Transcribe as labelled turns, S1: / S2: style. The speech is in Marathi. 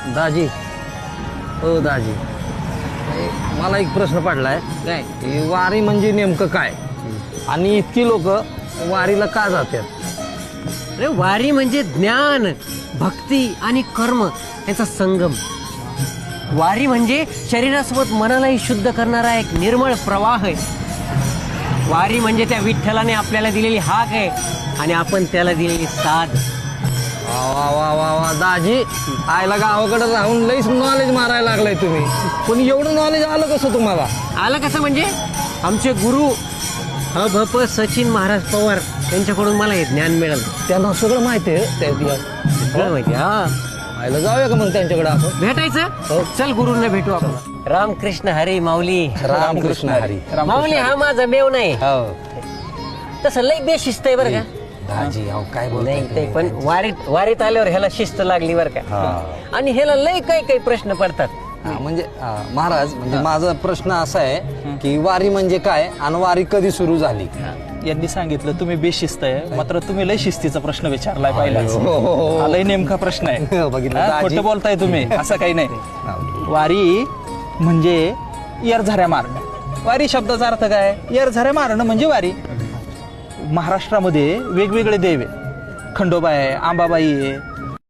S1: दाजी हो दाजी, मला एक प्रश्न पडलाय
S2: काय?
S1: की वारी म्हणजे नेमकं काय आणि इतकी लोक वारीला का जातात?
S2: अरे वारी म्हणजे ज्ञान, भक्ती आणि कर्म यांचा संगम. वारी म्हणजे शरीरासोबत मनालाही शुद्ध करणारा एक निर्मळ प्रवाह आहे. वारी म्हणजे त्या विठ्ठलाने आपल्याला दिलेली हाक आहे आणि आपण त्याला दिलेली साथ.
S1: वा वा वा वा वा दाजी, आयला गावाकडे राहून लईच नॉलेज मारायला लागलाय तुम्ही. पण एवढं नॉलेज आलं कसं तुम्हाला?
S2: आलं कसं म्हणजे आमचे गुरु भप सचिन महाराज पवार यांच्याकडून मला हे ज्ञान मिळालं.
S1: त्यांना सगळं माहिती आहे
S2: सगळं माहिती. हा,
S1: आयला जाऊया का मग त्यांच्याकडे आपण?
S2: भेटायचं. चल गुरुंना भेटू आपण. रामकृष्ण हरी माऊली.
S1: रामकृष्ण हरी.
S2: माऊली हा माझा मेव नाही,
S1: हो
S2: तसं लई बेशिस्त आहे बरं का.
S1: दाजी अहो काय
S2: नाही
S1: बोलताय
S2: ते
S1: तुम्ही?
S2: पण वारीत आल्यावर ह्याला शिस्त लागली बरं का.
S1: हा.
S2: आणि ह्याला लई काही प्रश्न पडतात.
S1: म्हणजे महाराज, म्हणजे माझा प्रश्न असा आहे की वारी म्हणजे काय आणि वारी कधी सुरू झाली?
S3: यांनी सांगितलं तुम्ही बेशिस्त आहे, मात्र तुम्ही लय शिस्तीचा प्रश्न विचारलाय पहिलाच.
S1: हो.
S3: हा लय नेमका प्रश्न आहे.
S1: बघितलं
S3: हा,
S1: दाजी.
S3: खोटं बोलताय तुम्ही, असं काही नाही. वारी म्हणजे येरझाऱ्या मारणं. वारी शब्दाचा अर्थ काय? येरझाऱ्या मारणं म्हणजे वारी. महाराष्ट्रामध्ये वेगवेगळे देव आहे. खंडोबा आहे, आंबाबाई आहे,